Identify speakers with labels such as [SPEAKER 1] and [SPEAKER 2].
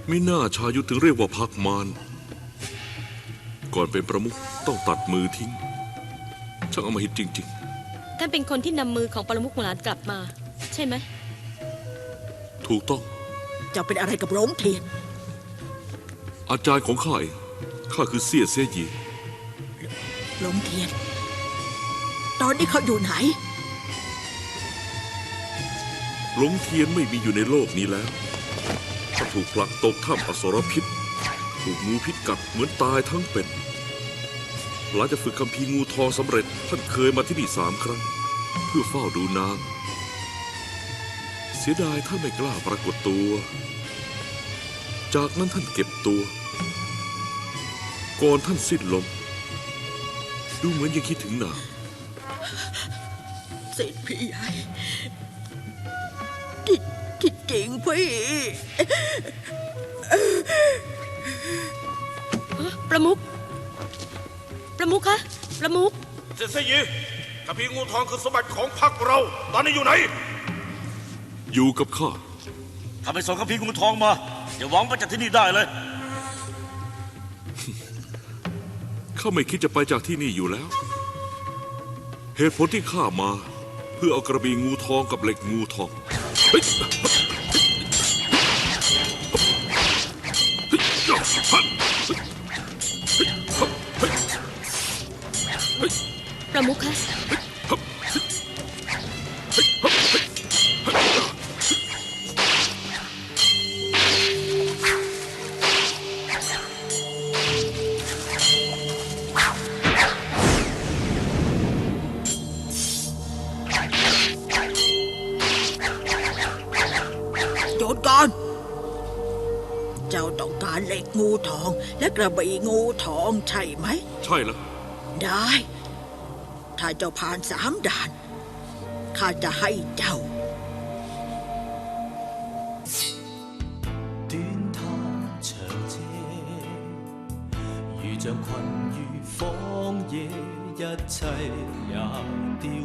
[SPEAKER 1] มิน่าชายุทธถึงเรียกว่าพักมารก่อนเป็นประมุขต้องตัดมือทิ้งช่างอำมหิตจริง
[SPEAKER 2] ท่านเป็นคนที่นำมือของปรมุขหมู่หลานกลับมาใช่ไหม
[SPEAKER 1] ๆถูกต้อง
[SPEAKER 3] เจ้าเป็นอะไรกับโรงเทียน
[SPEAKER 1] อาจารย์ของข้าเองข้าคือเสี่ยเสยี
[SPEAKER 3] โรงเทียนตอนนี้เขาอยู่ไหน
[SPEAKER 1] หลงเทียนไม่มีอยู่ในโลกนี้แล้วเขาถูกผลักตกถ้ำอสรพิษถูกงูพิษกัดเหมือนตายทั้งเป็นหลังจากฝึกคัมภีร์งูทองสำเร็จท่านเคยมาที่นี่3 ครั้งเพื่อเฝ้าดูนางเสียดายท่านไม่กล้าปรากฏตัวจากนั้นท่านเก็บตัวก่อนท่านสิ้นลมดูเหมือนยังคิดถึงนาง
[SPEAKER 3] สิทธิ์พี่ใหญ่ที่จริงพี่
[SPEAKER 2] ประมุขคะประมุข
[SPEAKER 4] เสี่ยเสยีคัมภีร์งูทองคือสมบัติของพรรคเราตอนนี้อยู่ไหน
[SPEAKER 1] อยู่กับข้า
[SPEAKER 4] ถ้าไปส่งคัมภีร์งูทองมาอย่าหวังว่าจะที่นี่ได้เลย
[SPEAKER 1] ข้าไม่คิดจะไปจากที่นี่อยู่แล้วเหตุผลที่ข้ามาเพื่อเอากระบี่งูทองกับเหล็กงูทอง
[SPEAKER 2] ประมุขคะ
[SPEAKER 3] โจรก่อนเจ้าต้องการเหล็กงูทองและกระบี่งูทองใช่ไหม
[SPEAKER 1] ใช่แล้ว
[SPEAKER 3] ได้ถ้าเจ้าผ่าน3 ด่านข้าจะให้เจ้า
[SPEAKER 5] 短他長車，如像困於荒野，一切也凋